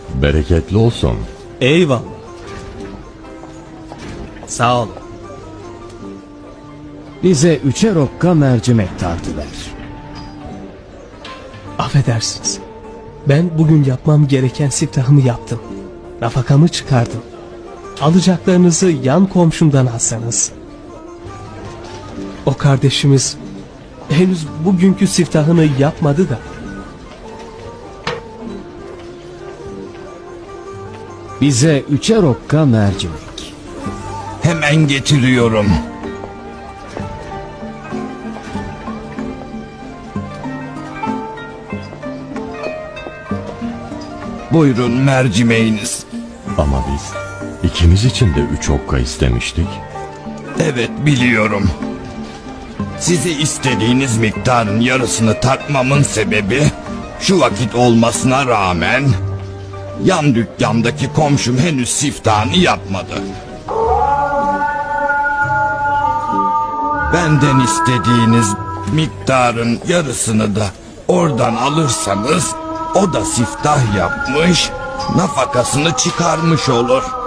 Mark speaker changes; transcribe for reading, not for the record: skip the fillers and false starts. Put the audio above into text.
Speaker 1: Bereketli olsun.
Speaker 2: Eyvallah. Sağ ol.
Speaker 3: Bize 3'er okka mercimek tartıver.
Speaker 2: Affedersiniz. Ben bugün yapmam gereken siftahımı yaptım. Nafakamı çıkardım. Alacaklarınızı yan komşumdan alsanız. O kardeşimiz henüz bugünkü siftahını yapmadı da.
Speaker 3: Bize 3'er okka mercimek.
Speaker 4: Hemen getiriyorum. Buyurun mercimeğiniz.
Speaker 1: Ama biz ikimiz için de 3 okka istemiştik.
Speaker 4: Evet biliyorum. Size istediğiniz miktarın yarısını takmamın sebebi şu vakit olmasına rağmen yan dükkandaki komşum henüz siftahını yapmadı. Benden istediğiniz miktarın yarısını da oradan alırsanız o da siftah yapmış, nafakasını çıkarmış olur.